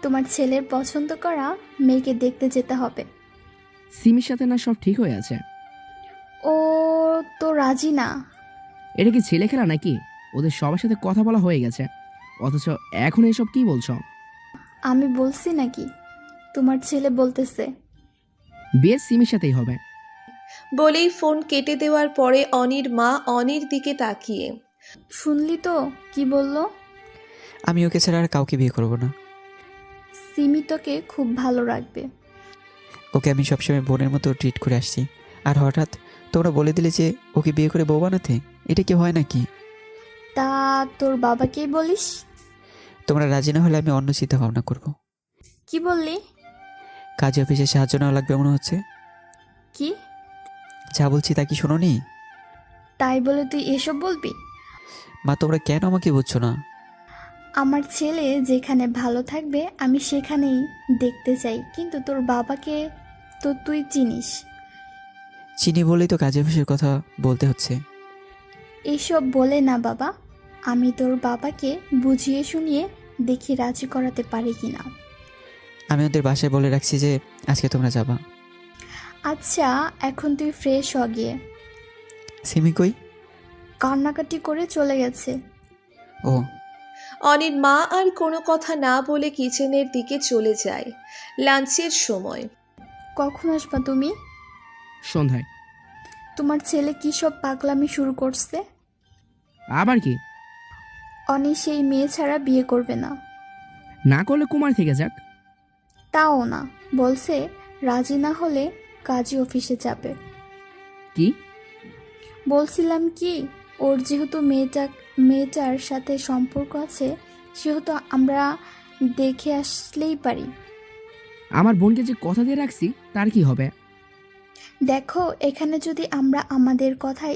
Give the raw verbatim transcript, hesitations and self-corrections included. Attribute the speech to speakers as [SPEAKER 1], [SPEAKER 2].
[SPEAKER 1] তোমার ছেলের পছন্দ করা মেয়েকে দেখতে যেতে হবে।
[SPEAKER 2] সিমির সাথে না সব ঠিক হয়ে আছে?
[SPEAKER 1] ও তো রাজি না।
[SPEAKER 2] এটা কি ছেলে খেলা নাকি? ওদের সবার সাথে কথা বলা হয়ে গেছে, অথচ এখন এসব কি বলছো?
[SPEAKER 1] আমি বলছি নাকি? তোমার ছেলে বলতেছে।
[SPEAKER 2] বিয়ে সিমির সাথেই হবে।
[SPEAKER 3] বলেই ফোন কেটে দেওয়ার পরে অনির মা অনির দিকে তাকিয়ে,
[SPEAKER 1] শুনলি তো কি বললো?
[SPEAKER 4] আমি ওকে ছাড়া আর কাউকে বিয়ে করব না।
[SPEAKER 1] সিমি তোকে খুব ভালো রাখবে।
[SPEAKER 4] ওকে আমি সবসময় বোনের মতো ট্রিট করে আসছি, আর হঠাৎ তোমরা বলে দিলে যে ওকে বিয়ে করে বউ বানাতে। এটা কি হয় নাকি?
[SPEAKER 1] তা তোর বাবাকেই বলিস?
[SPEAKER 4] তোমরা রাজি না হলে আমি অন্য চিন্তা ভাবনা করব।
[SPEAKER 1] কি বললি?
[SPEAKER 4] কাজে অফিসে সাহায্য নেওয়া লাগবে মনে হচ্ছে।
[SPEAKER 1] কি?
[SPEAKER 4] যা বলছি তা কি শোনোনি?
[SPEAKER 1] তাই বলে তুই এসব বলবি?
[SPEAKER 4] মা তোমরা কেন আমাকে বুঝছো না?
[SPEAKER 1] আমার ছেলে যেখানে ভালো থাকবে আমি সেখানেই দেখতে চাই, কিন্তু তোর বাবাকে তো তুই চিনিস।
[SPEAKER 4] চিনি বলেই তো কাজে অফিসের কথা বলতে হচ্ছে।
[SPEAKER 1] এইসব বলে না বাবা, আমি তোর বাবাকে বুঝিয়ে শুনিয়ে দেখি রাজি করাতে পারি কিনা।
[SPEAKER 4] আমি ওদের বাসায় বলে রাখছি যে আজকে তোমরা যাবা।
[SPEAKER 1] আচ্ছা, এখন তুই ফ্রেশ হ গিয়ে।
[SPEAKER 4] সিমি কই?
[SPEAKER 1] কান্নাকাটি করে চলে গেছে।
[SPEAKER 4] ও,
[SPEAKER 3] অনির মা আর কোনো কথা না বলে কিচেনের দিকে চলে যায়। লাঞ্চের সময়।
[SPEAKER 1] কখন আসবা তুমি?
[SPEAKER 2] সন্ধ্যায়।
[SPEAKER 1] তোমার ছেলে কি সব পাগলামি শুরু করছে?
[SPEAKER 2] আবার কি?
[SPEAKER 1] অনি সেই মেয়ে ছাড়া বিয়ে করবে না।
[SPEAKER 2] না করলে কুমার থেকে যাক।
[SPEAKER 1] তাও না, বলছে রাজি না হলে কাজী অফিসে যাবে।
[SPEAKER 2] কি?
[SPEAKER 1] বলছিলাম কি, ওর যেহেতু মেয়েটা মেয়েটার সাথে সম্পর্ক আছে, সেহেতু আমরা দেখে আসলেই পারি।
[SPEAKER 2] আমার বোনকে যে কথা দিয়ে রাখছি তার কি হবে?
[SPEAKER 1] দেখো, এখানে যদি আমরা আমাদের কথায়